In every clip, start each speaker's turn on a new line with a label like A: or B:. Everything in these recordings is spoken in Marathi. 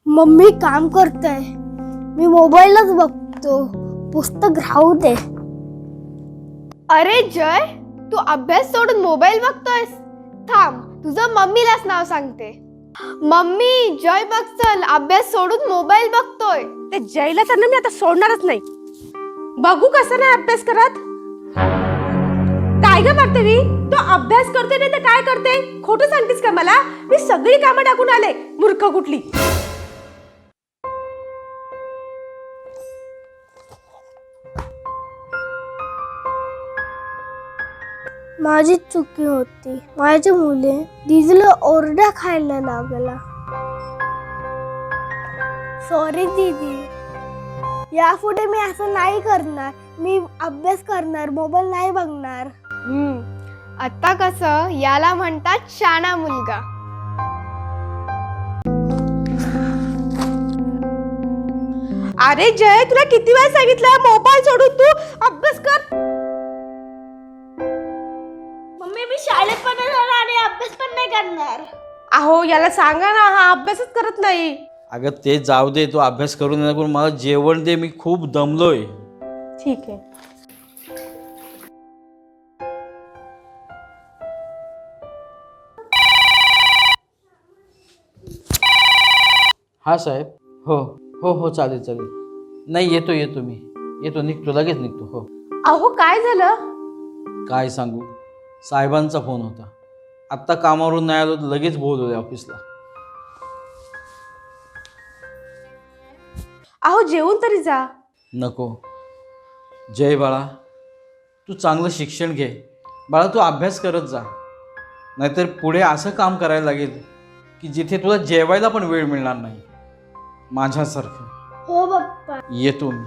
A: मम्मी काम करते, मी मोबाईलच बघतो. पुस्तक राहू दे.
B: अरे जय, तू अभ्यास सोडून मोबाईल बघतोयस? थांब, तुझं मम्मीलाच नाव सांगते. मम्मी, जय बघ चल, अभ्यास सोडून मोबाईल बघतोय.
C: ते जयला तर ना मी आता सोडणारच नाही. बघू कसं नाही अभ्यास करत. काय ग पार्थवी, तो अभ्यास करते नाही तर काय करते? खोटं सांगतेस का मला? मी सगळी कामं टाकून आले, मूर्ख कुठली.
A: माझी चुकी होती. माझ्या मुले दीदीला ओरडा खायला लागला. सॉरी दीदी, यापुढे मी असं नाही करणार. मी अभ्यास करणार, मोबाईल नाही बघणार.
B: आता कसं, याला म्हणतात शाणा मुलगा.
C: अरे जय, तुला किती वेळ सांगितलं मोबाईल सोडून तू अभ्यास कर.
A: मम्मी, मी शाळेत पण जाणार आणि अभ्यास पण नाही करणार.
C: अहो याला सांगा ना, हा अभ्यासच करत नाही.
D: अगं ते जाऊ दे, तू अभ्यास करून येणार, पण मला जेवण दे, मी खूप दमलोय.
C: ठीक आहे.
D: हा साहेब. हो हो हो, चालेल चालेल. नाही, येतो मी येतो, निघतो, लगेच निघतो. हो.
C: अहो काय झालं?
D: काय सांगू, साहेबांचा फोन होता. आत्ता कामावरून नाही आलो, लगेच बोलवले ऑफिसला.
C: अहो जेवून तरी जा.
D: नको जय बाळा, तू चांगलं शिक्षण घे बाळा, तू अभ्यास करत जा. नाहीतर पुढे असं काम करायला लागेल की जिथे तुला जेवायला पण वेळ मिळणार नाही, माझ्यासारखं.
A: हो पप्पा.
D: येतो मी.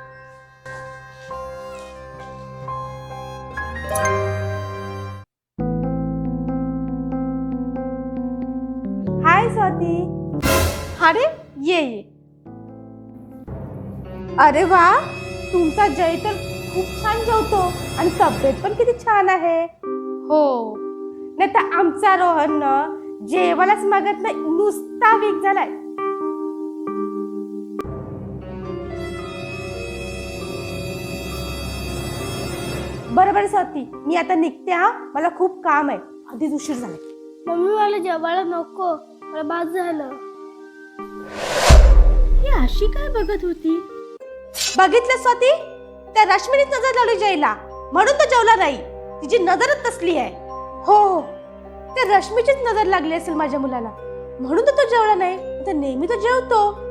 C: हाय स्वाती. अरे ये. अरे वा, तुमचा जय तर खूप छान जेवतो आणि तब्येत पण किती छान आहे. हो, नाही तर आमचा रोहन जेवायलाच मागत नाही, नुसता वीक झालाय. बरोबर स्वाती, मी आता निघते. हा, मला खूप काम आहे, आधीच उशीर झालाय.
A: मम्मी, मला जेवायला नको, मला बाद झालं.
C: ही अशी काय बघत होती? बघितलं स्वाती, त्या रश्मीनीच नजर लावली जयला, म्हणून तो जेवला नाही. तिची नजरच तसली आहे. हो हो, त्या रश्मीचीच नजर लागली असेल माझ्या मुलाला, म्हणून तो जेवला नाही. तर नेहमी तो जेवतो.